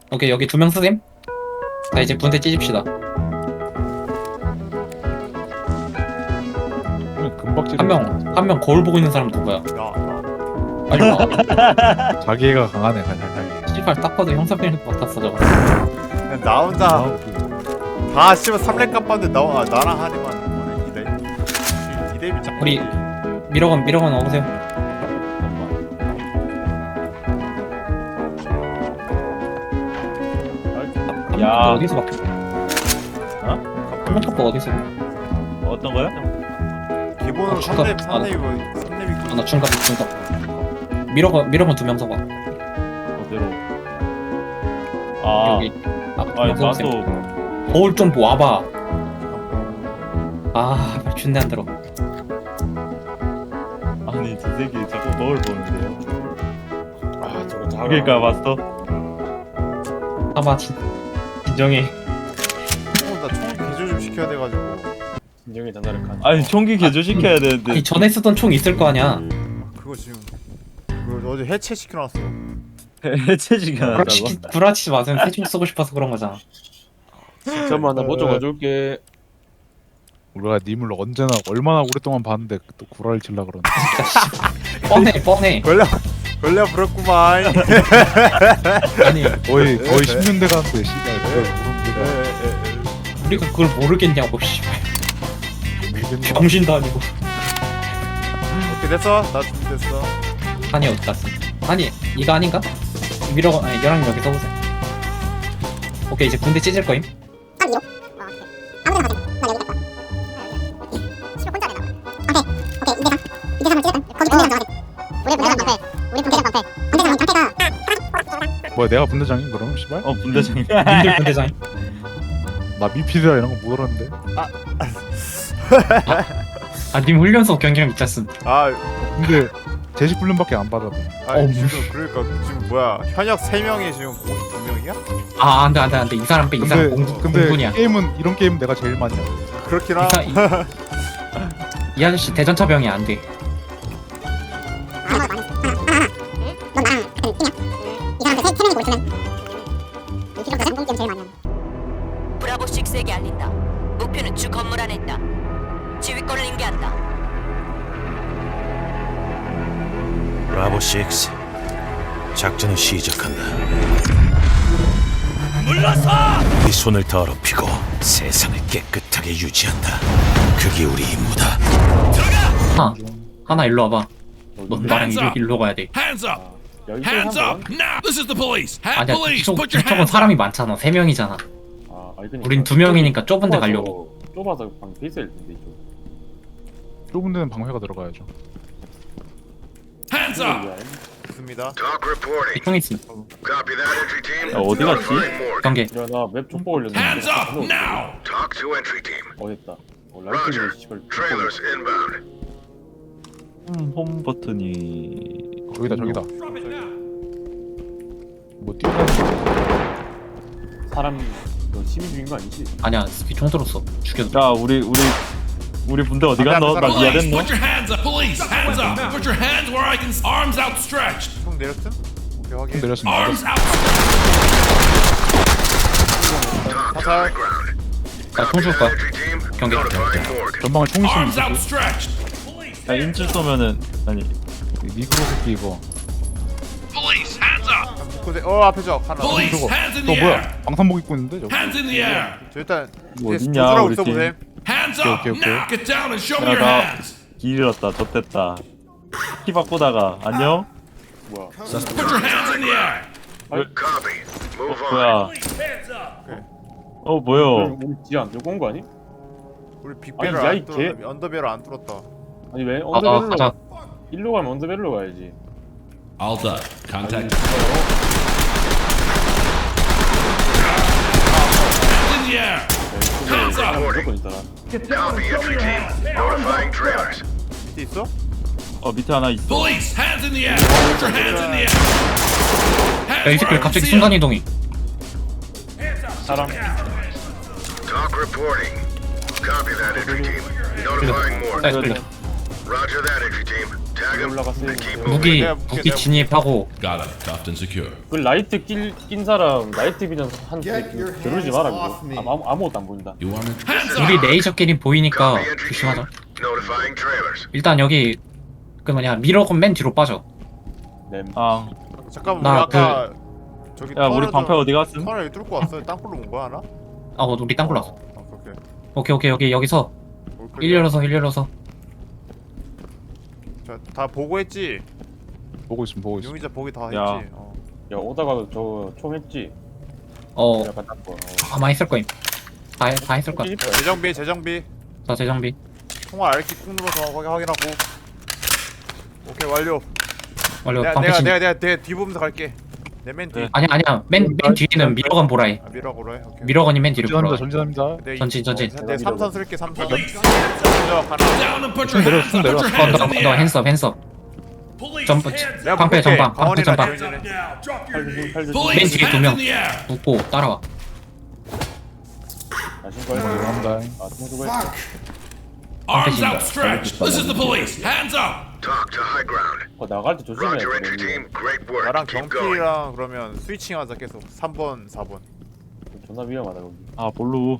오케이 여기 2명 쓰셈. 자 이제 분대 찢읍시다. 금박질. 한 명 거울 보고 있는 사람 누구야? 야, 빨리 와. 자기애가 강하네 자기. 씨발 딱 봐도 형사병일 것 같았어 저거. 나 혼자 다 씨발 3렙 깜봤는데 나랑 하니만 뭐네 2렙이 짝. 우리 미러건 와보세요. 야. 야 어디서 바뀌어? 어? 한명 탑도 어디서? 어떤 거요? 기본으로 중갑. 3렙이 나 중갑. 미러건 2명 서봐. 어디로? 아, 여기. 아니 명 서보세요. 나도 거울 좀 와봐. 아 준대 안 들어. 아니 저 새끼 자꾸 거울 보는데요. 아 저거 작아. 그러니까 마스터. 봐봐 진정해. 나총 개조 좀 시켜야 돼가지고. 진정의 전화를 간. 아니 총기 개조 시켜야 되는데. 아니 전에 쓰던 총 있을 거 아니야. 그거 지금 그거 어제 해체 시켜놨어. 해체 시켜놨다고? 불아치지 마세요. 새총 쓰고 싶어서 그런 거잖아. 잠깐만 나 뭐 좀 가져올게. 우리가 님을 언제나 얼마나 오랫동안 봤는데 또 구라를 질라 그러네. 뻔해. 걸려 부럽구만. 아니 거의 10년 돼가는데 씨발 그걸 모르는 우리가 그걸 모르겠냐고 씨발. 게 병신도 아니고. 오케이 됐어. 나 준비됐어. 아니 어디 갔어? 아니 이거 아닌가? 미러건 아니 여랑 여기 써보세요. 오케이 이제 군대 찢을 거임. 뭐야 내가 분대장인 그럼 씨발? 분대장님. 님들 군대장. 나 미필이라 이런 거 못 알았는데. 아님 훈련소 경기랑 미쳤음. 아, 근데 제식 훈련밖에 안 받아. 지금 그러니까 지금 뭐야 현역 3명이 지금 2명이야? 아 안돼 이 사람 빼. 이 사람 근데 공군이야. 게임은 이런 게임 내가 제일 많이 해. 그렇긴 하. 이 아저씨 대전차병이 안 돼. 브라보 6에게 알린다. 목표는 주 건물 안에 있다. 지휘권을 인계한다. 브라보 6 작전을 시작한다. 물러서! 네 손을 더럽히고 세상을 깨끗하게 유지한다. 그게 우리 임무다. 하나 일로 와봐. 넌 나랑 일로 가야 돼. Hands up! 여기 Hands 한 up now! This is the police! 아니야 Police, put your 이쪽은 hands 사람이 많잖아. 3명이잖아. 아, 아니, 그러니까. 우린 2명이니까 좁은 데 가려고. 좁아서 방 베이스일 텐데 이쪽. 좁은 데는 방회가 들어가야죠. Hands up! 좋습니다. 총 있으면 어디 갔지? 경계. 야, 나맵 족보 올렸는데. Hands up now! 됐다. 라이트를 씨발. 홈 버튼이 저기다. Drop it now! 뭐 뛰어다니는 사람 너 시민 중인 거 아니지? 아니야 스피 총 들었어. 죽여도. 자 우리 분대 어디 갔노? 나 Police, 미안했노? put your hands up! Police, hands up! Put your hands where I can... Arms outstretched! 총 내렸음? 오케이 확인. 내렸습니다. Arms outstretched! 사살. 나총 줄 거야. 경계. 전방에 총 있으면 Arms outstretched! Police, 야 인질 쏘면은 아니 니그로 새끼 이거. police, hands up! 앞에 적 하나. Police, 저거 hands in 저 the air! 뭐야? 방탄복 입고 있는데 저거. Hands in the air! 저 일단 뭐 뒤에 어딨냐, 조절하고 우리 있어 팀. 보셈. Hands up 오케이. now! Get down and show me 야 your 나 hands! 길 잃었다 좆됐다 키 바꾸다가 안녕? 뭐야? Put your hands in the air! 뭐야 Police, hands up! 뭐요? 우리 지안 요거 온거 아니? 우리 빅배를 아니, 야, 안 이 뚫었다. 언더배를 안 뚫었다. 아니 왜 가자. 언더벨로 일로 가면 언더벨로 가야지. All done. Contact. Hands in the air! Hands 사람 up! 무조건 있더라. Get down and show me your hands! 밑에 있어? 밑에 하나 있어 Police, hands in the air! Put your hands in the air! 야이 Hands 새끼 where I 갑자기 can see 순간 'em. 이동이. 사람 Talk reporting. Copy that, entry team. Notifying more. 사이드 클리어. Roger that, entry team. Tag him 올라갔어요. and keep 무기 moving. 무기 진입하고 Got it. Cuffed and secure. 그 라이트 낀 사람 라이트 비전 한테 겨루지 마라 그거. 아무것도 안 보인다. You want it? Hands up! 우리 레이저끼리 보이니까 Copy entry team. 조심하자. Notifying trailers. 일단 여기 그 뭐냐 미러건 맨 뒤로 빠져. 네. 아, 잠깐만 나 우리 아까 저기 야 우리 방패 어디 갔음? 터널 여기 뚫고 왔어요. 땅굴로 온 거야 하나? 우리 땅굴 났어. 오케이. 오케이 여기서 오케이. 일 열어서. 다 보고 했지? 보고 있어. 용의자 보기 다 야. 했지? 야 오다가 저 총 했지. 약간 딱 거. 아마 했을 거임. 다 했을 거야. 재정비 자 재정비. 통화 알키 꾹 눌러서 거기 확인하고. 오케이 완료. 원래 내가 방패 진. 내가 뒤보면서 갈게. 내 맨 뒤. 네. 아니야. 맨 뒤에는 미러건 보라 해. 미러고로 해. 오케이. 미러건이 맨 뒤로 보라. 전진합니다. 내 전진. 내 3선 쓸게 3선. Police, 먼저 가라. down and put your hands up. Put your hands in the 너 air. 핸섭. Police, 점프. hands 내가 방패 볼게. 전방. 방패 강원이랑 전방. 조인이네. up now. Drop your 팔 hands. 조심. Police, 뒤에 두 hands 명. in the air. 웃고 따라와. 신고 했어. 감사합니다. 신고 했어. Arms outstretched. This is the police. Hands up. Talk to high ground. 나갈 때 조심해야 Roger, entry 돼. team. Great work. 나랑 Keep going. 경필이랑 그러면 스위칭하자 계속 3번 4번. 존나 위험하다 거기. 아 볼루.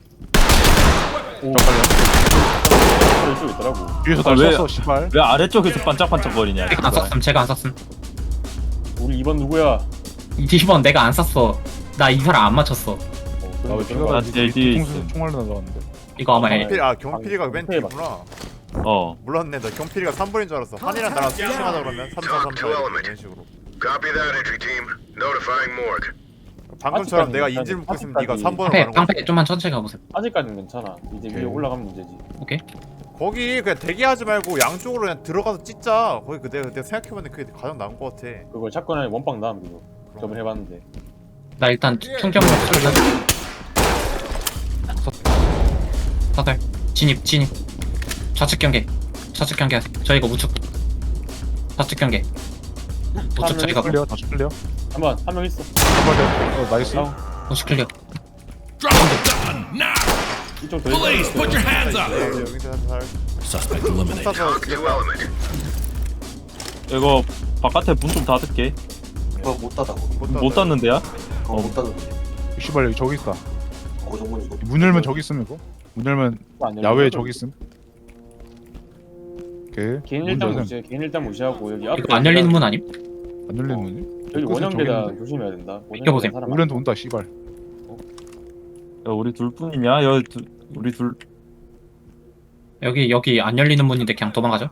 수 있더라고. 뒤에서 아, 날 왜- 쐈어 씨발. 왜 아래쪽에서 반짝반짝거리냐? 제가 안 쐈음. 우리 2번 누구야? 2번 내가 안 쐈어. 나 이 사람 안 맞췄어. 나왜 그런 피가 거 나 나지? 제일 뒤에 있어. 총알로 날라갔는데. 이거 아마 경필이가 맨 뒤구나. 어. 몰랐네. 나 경필이가 3번인 줄 알았어. 한이랑 나랑 스위칭하자 그러면 3, 4, 3, 4 이런 식으로. Copy that, entry team. Notifying morgue. 방금처럼 아직까지는 내가 괜찮아. 인질 묶고 있으면 네가 아직까지. 3번으로 가는 거야. 방패 좀만 천천히 가보세요. 아직까지는 괜찮아. 이제 위에 오케이. 올라가면 문제지. 오케이. 거기 그냥 대기하지 말고 양쪽으로 그냥 들어가서 찢자. 거기 내가 생각해봤는데 그게 가장 나은 것 같아. 그걸 샷건에 원빵 나면 그거. 저번에 해봤는데. 나 일단 충격으로 쏠려. 다들 진입. 좌측 경계 하세요. 저희가 우측. 좌측 경계. 우측 저희가 클리어. 다시 클리어. 한 명 있어. 나이스. 다운. 우측 클리어. Drop the gun now. 이쪽 더 Police, 있어. put your hands up. 여기서 살. Suspect eliminated. 쏴서 Talk to element. 이거 바깥에 문 좀 닫을게. 못 닫는데야? 씨발 여기 저기 있다. 문 열면 저기 있음 이거. 문 열면 야외에 저기 있음. 오케이. 개인 문 일단 열면 무시해. 개인 일단 무시하고 여기 앞에 이거 안 열리는 문 아님? 안 열리는 문이? 여기 원형 저기 계단 있는데. 조심해야 된다. 비켜보세요. 사람 우리한테 온다 씨발. 야 우리 둘뿐이냐? 우리 둘. 여기 안 열리는 문인데 그냥 도망가죠.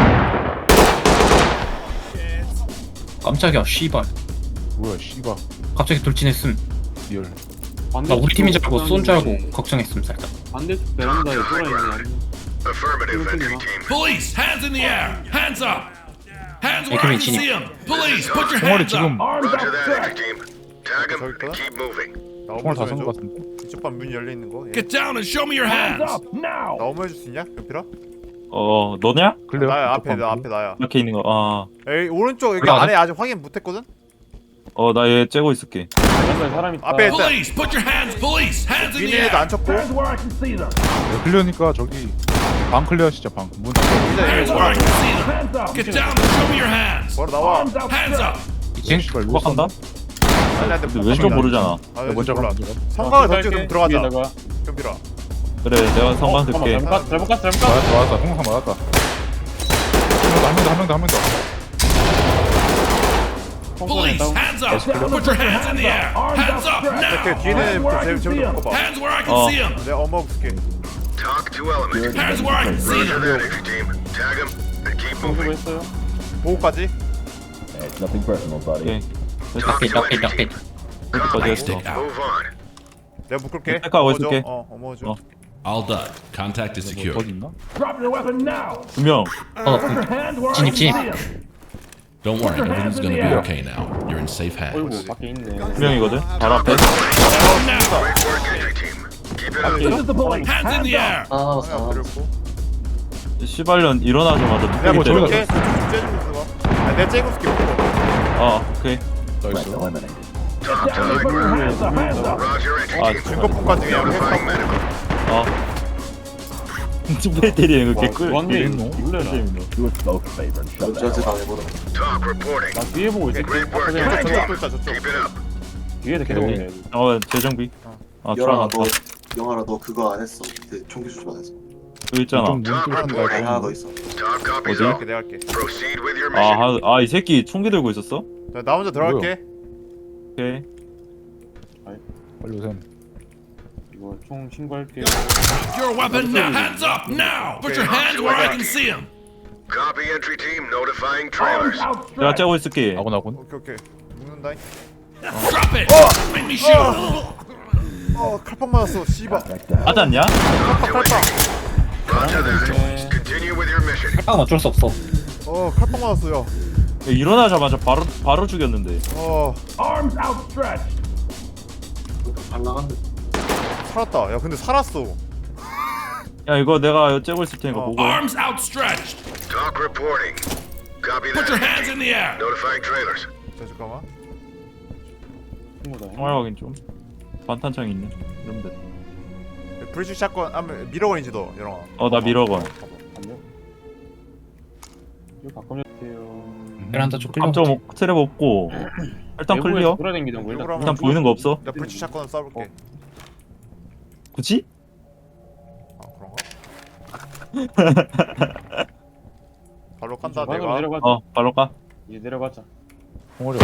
깜짝이야 씨발. 뭐야 씨발. 갑자기 돌진했음. 리얼. 나 우리 팀인 줄 알고 쏜 줄 알고 걱정했음 살짝. 반대쪽 베란다에 Affirmative, entry team. Police, hands in the air. Hands up. Hands where Hey, I come can here, see them. Police, put your 총알이 hands 지금 up. Roger that, entry team. Tag him 저기 있구나? and keep moving. 나 총알 다 어머 쏜 것 줘. 같은데. 이쪽 반 문 열려 있는 거. Get down and show me your hands. 나 어머 해줄 수 있냐? 경필아? 너냐? 클리어. 나야 앞에 이쪽 나 방. 앞에 나야. 이렇게 있는 거. 아. 에이 오른쪽 여기 올라가자. 안에 아직 확인 못했거든? 나 얘 째고 있을게. 베란다에 사람 있다. 앞에 있다. Police, put your hands. Police, hands in the 위에도 air. 안 쳤고. 클리어니까 저기 방 클리어 진짜 방. 문 닫고. Hands where I can see them. Get down and show me your hands. 바로 나와. Hands up. 이층 씨발 이거 후박한다? 아니한테 근데 왼쪽 모르잖아. 먼저 몰라. 가. 먼저 가. 성곽을 던지고 좀 들어가자. 위에다가. 경필아. 그래 내가 성관 들게. 잘못 갔어. 맞았다. 홍상 맞았다. 한 명 더. Police, hands up. Put your hands in the air. Hands up 이렇게 now. 뒤에는 제일 묶어봐. Hands where I can see them. 내가 어머 볼게. Talk to element. Hands where I can see Roger them. that, entry team. Tag him and keep moving. 했어요. 보호까지. 오케이. 락핏. 여기까지 했어. Stick out. Move on. 내가 묶을게. 택하고 있을게. 어머 줘. All done. Contact is 뭐 secure. 어디 있나? 2명. 진입. Don't worry, everything's gonna be okay now. You're in safe hands. 어이구 밖에 있네. 2명이거든. 바로 앞에. Now, Great work, entry team. Keep it up. hands in the air. 하나 그리고. 시발년 일어나자마자 내가 뚝배기 뭐 때려. 저렇게 째주고 있어. 내가 째고 있을게. 오케이. 나이스. Talk to high ground. Roger, entry team. 증거품까지 그냥 Notifying 했어. medical. 왜 때리는 거 와, 개꿀. 왔네. 재밌노? 놀래라. Talk reporting. 나 뒤에 보고 있어. Great 아까 work, 전에 entry 저쪽 team. 있다 저쪽. Keep it up. 뒤에서 계속 오케이. 오네. 재정비. 아 영아라 들어갔다. 너 영아라 너 그거 안 했어. 그 총기 수집 안 했어. 여기 있잖아. 좀 눈 Talk 뚫린 거 reporting. 하나 더 있어. Talk copies 어디? all. 갈게 내가 할게. Proceed with your mission. 이 새끼 총기 들고 있었어? 자, 나 먼저 들어갈게. 오케이. 빨리 오셈. 이거 총 신고할게. Your weapon now. Hands up now. Put your hands where I can see them. Copy, entry team. Notifying trailers. 내가 째고 있을게. 아군. 오케이. 묶는다. Drop it. Make me shoot. 칼빵 맞았어. 씨발. 하지 않냐? 칼빵. Roger that. Continue with your mission. 아 어쩔 수 없어. 칼빵 맞았어요. 야, 일어나자마자 바로 죽였는데. 발라간데. 살았다. 야 근데 살았어. 야 이거 내가 째고 있을 테니까 보고. Arms outstretched. Talk reporting. Copy Put your that. hands in the air. Notifying trailers. 자 잠깐만. 친구다. 정말 확인 좀. 반탄창 있네. 이러면 돼. 브리지 샷건 하면 미러건이지 너 영아. 나 미러건. 안녕. 이거 바꿔줄게요. 베란다 쪽 클리어. 감정 트랩 없고. 일단 클리어. 돌아다니던 거 일단. 이거랑 일단 보이는 거 없어. 나 브리지 샷건을 쏴볼게. 굳이? 그런가? 바로 깐다 방으로 내가. 내려가자. 발로 가. 이제 내려가자. 공허리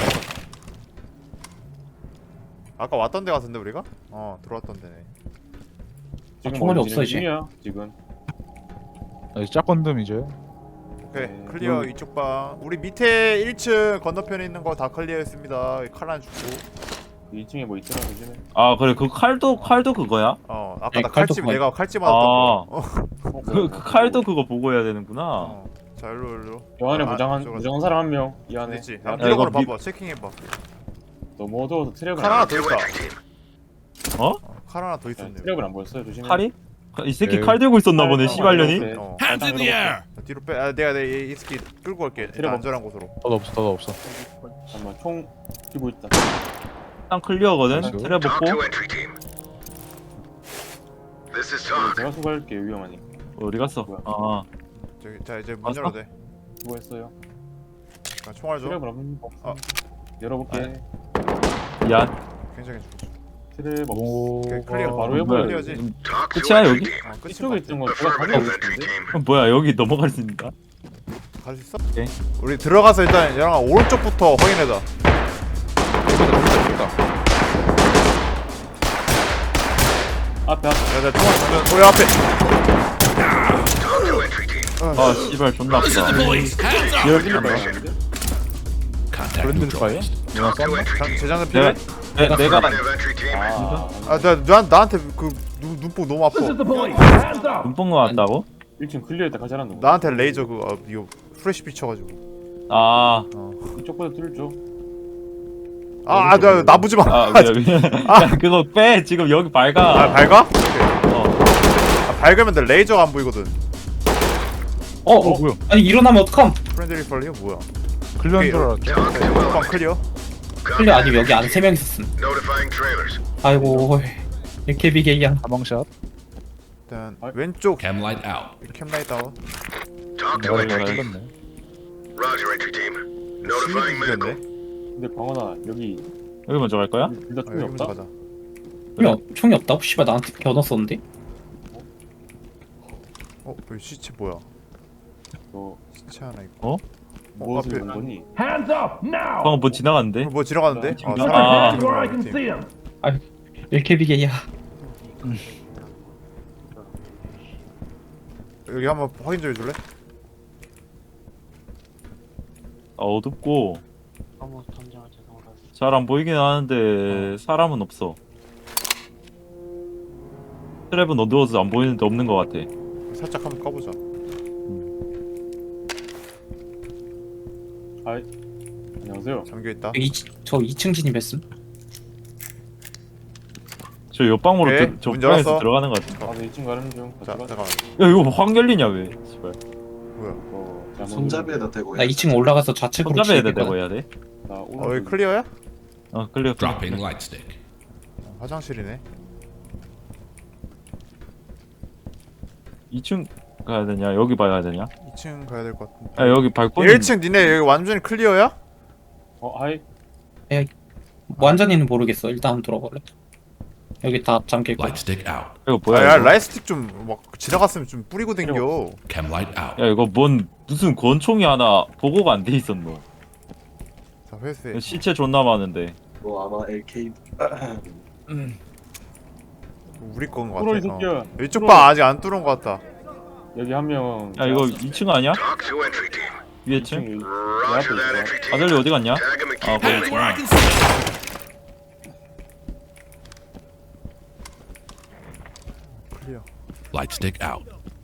아까 왔던 데 같은데 우리가? 들어왔던 데네. 지금 총알이 어디 없어, 진행 이제. 중이야, 지금. 이제 짝건듬 이제. 오케이 클리어 이쪽 방. 우리 밑에 1층 건너편에 있는 거 다 클리어했습니다. 칼 하나 주고. 2층에 뭐 있더라, 요즘에. 아 그래 그 칼도 그거야? 아까 네, 나 칼도 칼집 그거. 내가 칼집 맞았던 거. 그 칼도 그거 보고 해야 되는구나. 자 일로. 요 안에 아, 무장한 저거. 사람 한 명. 이 안에. 됐지. 야, 미러건을 이거 봐봐. 체킹해봐. 너무 어두워서 트랩을 칼 하나 안 더 To 있다. entry team. 칼 하나 더 있었네. 트랩을 안 보였어요, 조심해. 칼이? 이 새끼 네. 칼 들고 있었나 보네 어, 씨발년이. 네. Hands in the air. 뒤로 빼. 내가 이 새끼 끌고 갈게. 일단 트랩 안전한 곳으로. 더도 없어. 잠깐만, 총 들고 있다. 일단 클리어거든. 그렇죠. 트랩 Talk to 없고. entry team. This is 이거 talk. 제가 수고할게요, 위험하니. 어디 갔어? 뭐야? 아 자 이제 문 왔어? 열어도 돼. 수고했어요. 자, 총알 줘. 트랩을 안 아. 열어볼게. 미안. 굉장히 좋고. 트랩 없어. 오. 오케이, 클리어. 바로 뭐야, 해버려. 클리어지. Talk to 끝이야, entry 여기? team. 끝이 이쪽에 있던 건 제가 Affirmative, 가지고 entry 있는데. team. 뭐야 여기 넘어갈 수 있는가? 갈수 있어? 오케이. 우리 들어가서 일단 얘랑 오른쪽부터 확인해자. 앞에. 야, 총알 주면 우리 앞에. Talk to entry team. 아 씨발 존나 This is the 아프다. police. Hands up. 이럴 Contact 브랜드 파이어? Talk to entry team. 재장전 필요해? 내가 Affirmative, entry team. 나한테 그 눈뽕 너무 아파. 눈뽕 나왔다고? 1층 클리어했다 가자란 놈. 나한테 레이저 이거 프레시 비쳐가지고. 아, 이쪽보다 뚫죠. 나 나부지 마. 미안. 야, 그거 빼. 지금 여기 밝아. 밝아? 오케이. 밝으면 내 레이저가 안 보이거든. 뭐야? 아니 일어나면 어떡함? 프렌들리 펄리어 뭐야? 클리어인 줄 알았지. Talk to 방 element. 클리어? 클리어 아니면 여기 안에 3명 있었음. Notifying trailers. 아이고 이렇게 비게이야. 가방샷. 일단 왼쪽 Cam light out. 캠라이 다운. Talk to 내가 entry team. 걸렸네. Roger, entry team. Notifying medical. 근데 광원아 여기 여기 먼저 갈 거야? 둘 다 총이 여기 먼저 없다. 가자. 총이 없다고? 씨발 나한테 겨눠 썼는데? 여기 시체 뭐야? 너 시체 하나 있고. 무엇을 앞에. 본 거니? 방금 뭐 지나갔는데? 뭐 지나가는데? 아. 사람 지나가는 팀. 이렇게 비게이야. 여기 한번 확인 좀 해줄래? 어둡고 잘 안 보이긴 하는데 사람은 없어. 트랩은 어두워서 안 보이는데 없는 것 같아. 살짝 한번 까보자. 아이 안녕하세요. 잠겨 있다. 저 2층 진입했음. 저 옆방으로 오케이, 저 문 방에서 열었어. 들어가는 것 같아. 나도 2층 가는 중. 자 같이 가자. 잠깐만. 야 이거 확 열리냐 왜? 씨발. 뭐야? 잘못 손잡이에다 대고. 나 2층 올라가서 좌측으로 손잡이에 치겠거든. 대고 해야 돼? 나 여기 오른쪽 클리어야? 클리어. Dropping light stick. 화장실이네. 2층 가야 되냐? 여기 봐야 되냐? 2층 가야 될 것 같은데. 야 여기 발코니 1층 니네 여기 완전히 클리어야? 하이. 완전히는 모르겠어. 일단 한번 들어볼래. 여기 다 잠길 거야. Light stick out. 이거 뭐야? 야 이거? 라이스틱 좀 막 지나갔으면 좀 뿌리고 댕겨. Chem light out. 야 이거 뭔 무슨 권총이 하나 보고가 안 돼 있었노? 자 회수해. 이거 시체 존나 많은데. 뭐 아마 LK 우리 건것 뚫어 이 같아. 새끼야. 이쪽 방 아직 안 뚫은 것 같다. 여기 한 명. 야 이거 2층 아니야? Talk to entry team. 위에 층? Roger that, entry team. 아들리 어디 갔냐? Tag him and 아 keep 거기 Hands where I 있구나. can see. 클리어. Light stick out.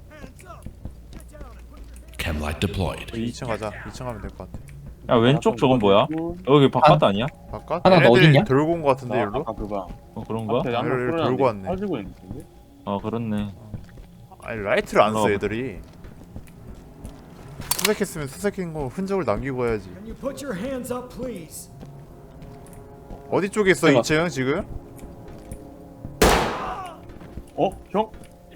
Chem light deployed. 2층 가자. 2층 가면 될 것 같아. 야 왼쪽 저건 뭐야? 여기 바깥 아니야? 바깥? 하나 너 얘네들이 어딨냐? 들고 온 것 같은데 일로? 아까 그거. 어 그런가? 앞에 한명 얘를 끌어놨는데 들고 왔네. 가지고 있는데. 어 그렇네. 아니 라이트를 안 써 어. 애들이. 수색했으면 수색한 거 흔적을 남기고 해야지. 어디 쪽에 있어 해봐. 2층 지금? 형?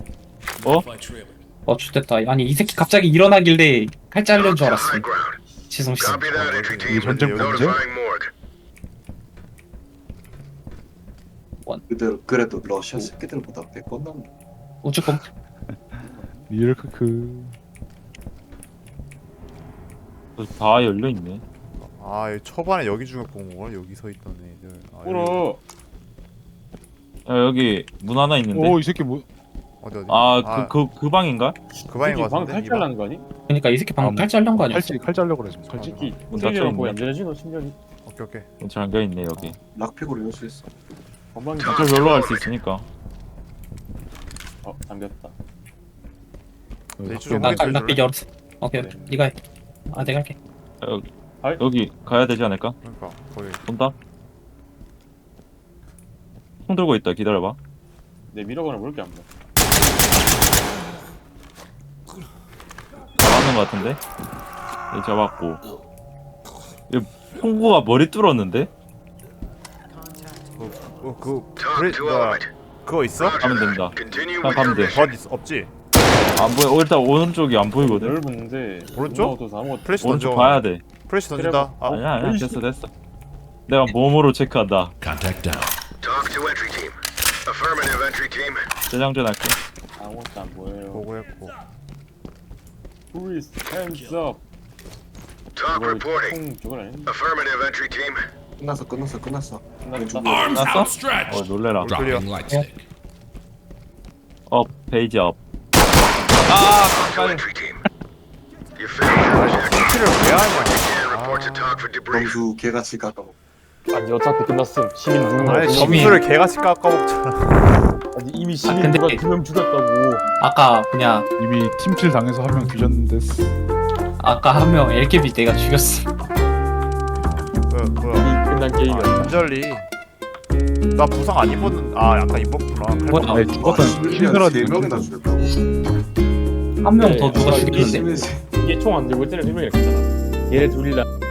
좋됐다. 아니 이 새끼 갑자기 일어나길래 칼 잘린 줄 알았어. High ground. 지성 씨. Copy that, entry team. 전쟁 문제? Notifying morgue. 그대로 그래도 러시아 새끼들보다 100번 남네. 우측검. 리얼크크. 다 열려 있네. 아 여기 초반에 여기 중에 본 걸 여기 서 있던 애들. 아, 여기- 끌어. 야 여기 문 하나 있는데. 오 이 새끼 뭐? 어디 그 방인가? 그 방인 것 방 같은데. 탈출하는 거 아니? 그러니까 이 새끼 방금 칼 잘린 거 아니었어? 칼 잘려고 그래 지금. 칼 잘. 솔직히 문 닫혀 세계랑 있네. 거의 안 되지 너 심장이. 오케이 오케이. 잠겨 있네 여기. 락픽으로 연수했어. 건방이. 저 별로 갈 수 있으니까. 잠겼다. 이쪽에 나 확인 락비 좀 열었어. 오케이 네가 해. 아 내가 할게. 여기 가야 되지 않을까? 그러니까 거기. 온다. 총 들고 있다. 기다려봐. 내 미러건을 볼게 안 봐. 잘하는 것 같은데. 얘 잡았고. 얘 총구가 머리 뚫었는데? 브레 그거 있어? 가면 된다. Continue 아, with 가면 your 돼. 덧 없지? 안 보여. 일단 오른쪽이 안 보이거든. 넓은데. 오른쪽? 아무것도. 플래시 오른쪽 던져. 봐야 돼. 플래시 던진다. 아, 아니야 됐어. 내가 몸으로 체크한다. Contact down. Talk to entry team. Affirmative, entry team. 재장전 할게. 아무것도 안 보여요. 보고했고. Please hands up. Talk reporting. 총 저건 아니? Affirmative, entry team. 끝났어. 끝났다. Arms Nasıl? outstretched. 놀래라. Dropping light stick. 페이지 업. Talk to entry team. You failed your objective. 키를 왜 하냐? Again, report to talk for debrief. 점수 개같이 가까워. 아니 어차피 끝났음. 시민 누군가. 아니 점이- 점수를 개같이 깎아먹잖아. 아니 이미 시민 근데- 누가 2명 죽였다고. 아까 그냥 이미 팀킬 당해서 한 명 뒤졌는데. 아까 한 명 LKB 내가 죽였어. 뭐야? 이 끝난 게임이야. 안절리. 나 부상 안 입었는. 아 약간 입었구나. 뭐야? 아니 죽었던 히드라니. 4명이나 죽였다고. 한 명 더 네. 누가 아, 죽였는데? 심해지. 이게 총 안 들고 때는 1명이 있잖아. 얘네 둘이랑